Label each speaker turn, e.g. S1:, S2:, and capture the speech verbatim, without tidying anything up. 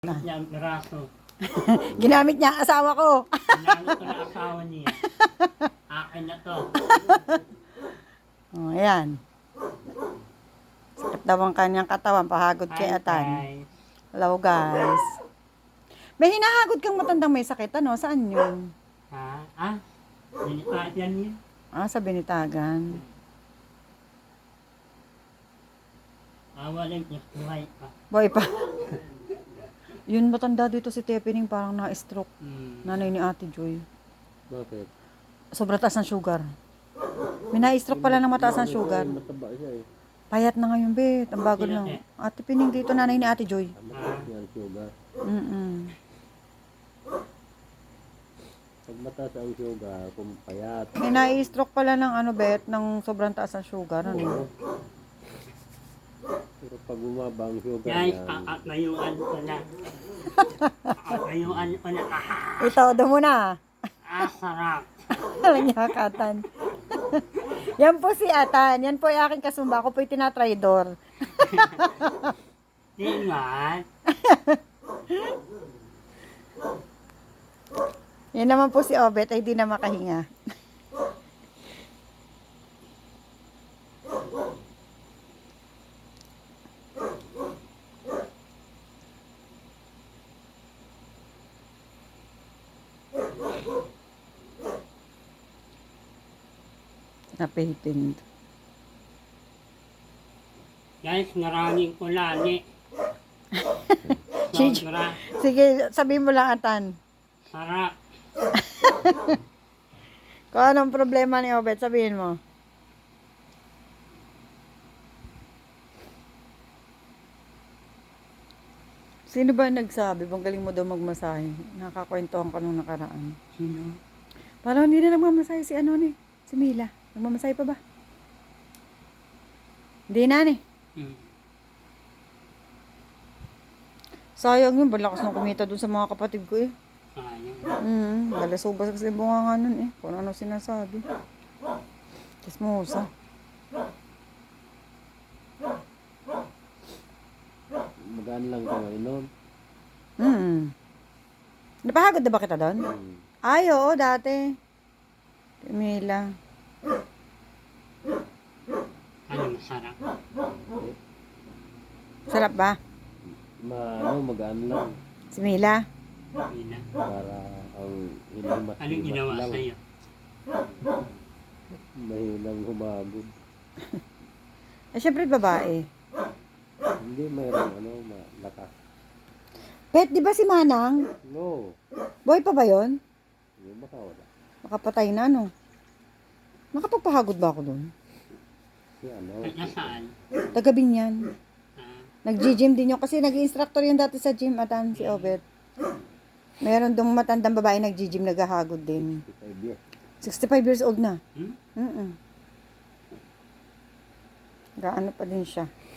S1: Na.
S2: Niya ang piraso.
S1: Ginamit niya ang asawa ko.
S2: Ginamit ko na asawa niya. Akin na to.
S1: Oh, ayan. Sakit daw ang kanyang katawan. Pahagod kay
S2: Hi,
S1: Atan.
S2: guys.
S1: Hello, guys. May hinahagod kang matandang may sakit. Ano? Saan yun?
S2: Ha? Ah? Dinita yan niya.
S1: Ah, sa Binitagan.
S2: Awalin niya. Buhay pa.
S1: Boy pa. Yun, matanda dito si Tepening. Parang na-stroke.
S2: Hmm.
S1: Nanay ni Ate Joy.
S3: Bakit?
S1: Sobrang taas ng sugar. May na-stroke pala ng mataas ng sugar.
S3: Mataba siya eh.
S1: Payat na ngayon, bet. Ang bago
S2: Sino,
S1: lang.
S2: eh?
S1: Ate Pining dito, nanay ni Ate Joy.
S3: Mataas niya ang sugar.
S1: Mm-mm.
S3: Pag mataas ang sugar, kung payat.
S1: May na-stroke pala ng ano, bet, ng sobrang taas ng sugar. Ano?
S3: Pero pag bumaba ang sugar
S2: Guys,
S3: niya,
S2: kakatayuan ko na. Kakatayuan ko na. Ah,
S1: Ito, doon muna.
S2: ah, sarap.
S1: Alam niya, Atan. Yan po si Atan. Yan po yung aking kasumba. Ako po yung tinatraidor.
S2: Tingnan.
S1: Yan naman po si Obet ay di na makahinga. Napipin.
S2: Guys, maraming kulani.
S1: Chich.
S2: Sobra.
S1: Sige, sabihin mo lang, Atan.
S2: Sarap.
S1: Kung anong problema ni Obet, sabihin mo. Sino ba nagsabi? Bang galing mo daw magmasahe. Nakakwentuhan ka nung nakaraan.
S2: Sino?
S1: Parang hindi na nagmamasahe si ano ni, si Mila. Nagmamasahe pa ba? Hindi na ni.
S2: Hmm.
S1: Sayang yun, balakas ng kumita dun sa mga kapatid ko eh.
S2: Sayang.
S1: Mm, balasubas kasi bunga nga nun eh. Kung ano sinasabi. Kismosa.
S3: magaan lang ka inom.
S1: Mm. Napahagod na ba kita doon?
S3: Hmm.
S1: Ay, oo, dati. Si Mila.
S2: Ano masarap?
S1: Sarap ba?
S3: Ma, ano, magaan lang.
S1: Si Mila?
S2: Hindi na.
S3: Para ang hilamat.
S2: Anong ginawa
S3: lang.
S2: sa'yo?
S3: Mahilang humagod.
S1: Eh, syempre babae.
S3: Hindi mayroong ano, malakas.
S1: Pet, di ba si Manang?
S3: No.
S1: Boy pa ba yun?
S3: Hindi baka wala.
S1: Makapatay na, no? Nakapagpahagod ba ako doon?
S3: Si ano.
S2: At nasaan?
S1: Tagabing yan.
S2: Ah,
S1: Nag-gym din yun. Kasi nag-instructor yun dati sa gym, Atan, si Obet. Meron dong matandang babae nag-gym, naghahagod din.
S3: fifty-five years.
S1: sixty-five years old na.
S2: hmm?
S1: Mm-mm. Gaano pa din siya.